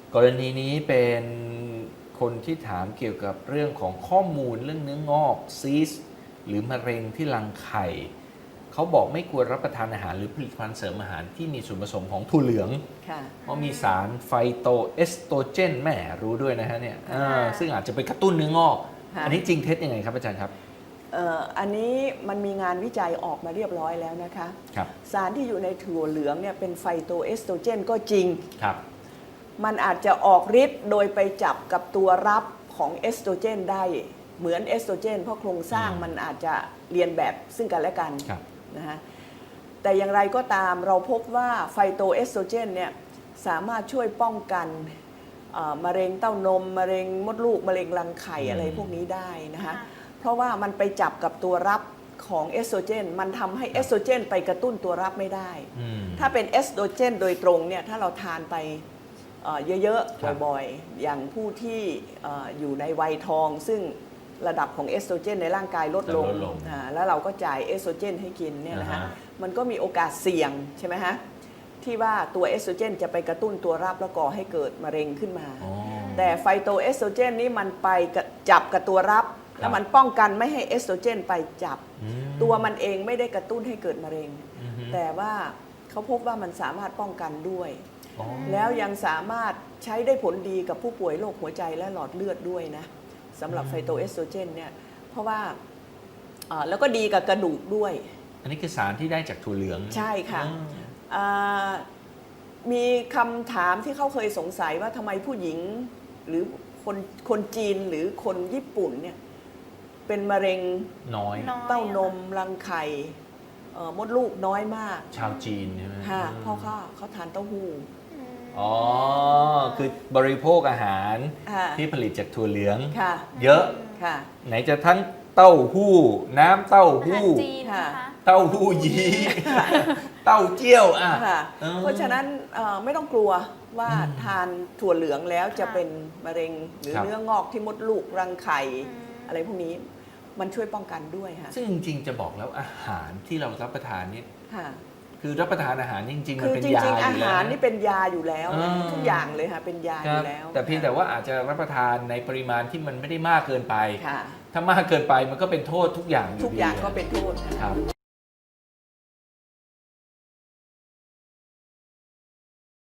กรณีนี้เป็นคนที่ถามเกี่ยวกับเรื่องของข้อมูลเรื่องเนื้องอกซีสหรือมะเร็งที่รังไข่เขาบอกไม่ควรรับประทานอาหารหรือผลิตภัณฑ์เสริมอาหารที่มีส่วนผสมของถั่วเหลืองเพราะมีสารไฟโตเอสโตรเจนแหมรู้ด้วยนะฮะเนี่ยซึ่งอาจจะไปกระตุ้นเนื้องอกอันนี้จริงเท็จยังไงครับอาจารย์ครับอันนี้มันมีงานวิจัยออกมาเรียบร้อยแล้วนะคะสารที่อยู่ในถั่วเหลืองเนี่ยเป็นไฟโตเอสโตรเจนก็จริงมันอาจจะออกฤทธิ์โดยไปจับกับตัวรับของเอสโตรเจนได้เหมือนเอสโตรเจนเพราะโครงสร้างมันอาจจะเรียนแบบซึ่งกันและกันนะฮะแต่อย่างไรก็ตามเราพบว่าไฟโตเอสโตรเจนเนี่ยสามารถช่วยป้องกันมะเร็งเต้านมมะเร็งมดลูกมะเร็งรังไข่อะไรพวกนี้ได้นะคะเพราะว่ามันไปจับกับตัวรับของเอสโตรเจนมันทำให้เอสโตรเจนไปกระตุ้นตัวรับไม่ได้ถ้าเป็นเอสโตรเจนโดยตรงเนี่ยถ้าเราทานไปเยอะๆบ่อยๆอย่างผู้ที่อยู่ในวัยทองซึ่งระดับของเอสโตรเจนในร่างกายลดลงแล้วเราก็จ่ายเอสโตรเจนให้กินเนี่ยนะฮะมันก็มีโอกาสเสี่ยงใช่ไหมฮะที่ว่าตัวเอสโตรเจนจะไปกระตุ้นตัวรับแล้วก่อให้เกิดมะเร็งขึ้นมาแต่ไฟโตเอสโตรเจนนี่มันไปจับกับตัวรับแล้วมันป้องกันไม่ให้เอสโตรเจนไปจับตัวมันเองไม่ได้กระตุ้นให้เกิดมะเร็งแต่ว่าเขาพบว่ามันสามารถป้องกันด้วยแล้วยังสามารถใช้ได้ผลดีกับผู้ป่วยโรคหัวใจและหลอดเลือดด้วยนะสำหรับไฟโตเอสโตรเจนเนี่ยเพราะว่าแล้วก็ดีกับกระดูกด้วยอันนี้คือสารที่ได้จากถั่วเหลืองใช่ค่ะมีคำถามที่เขาเคยสงสัยว่าทำไมผู้หญิงหรือคนจีนหรือคนญี่ปุ่นเนี่ยเป็นมะเร็งน้อยเต้านมรังไข่มดลูกน้อยมากชาวจีนใช่ไหมค่ะเพราะเขาทานเต้าหู้คือบริโภคอาหารที่ผลิตจากถั่วเหลืองเยอะไหนจะทั้งเต้าหู้น้ำเต้าหู้เต้าหู้ยี้เต้าเจี้ยวเพราะฉะนั้นไม่ต้องกลัวว่าทานถั่วเหลืองแล้วจะเป็นมะเร็งหรือเนื้องอกที่มดลูกรังไข่อะไรพวกนี้มันช่วยป้องกันด้วยค่ะซึ่งจริงๆจะบอกแล้วอาหารที่เรารับประทานนี่คือรับประทานอาหารจริงๆมันเป็นยาอยู่แล้วอาหารนี่เป็นยาอยู่แล้วทุกอย่างเลยค่ะเป็นยาอยู่แล้วแต่เพียงแต่ว่าอาจจะรับประทานในปริมาณที่มันไม่ได้มากเกินไปถ้ามากเกินไปมันก็เป็นโทษทุกอย่างทุกอย่างก็เป็นโทษครับ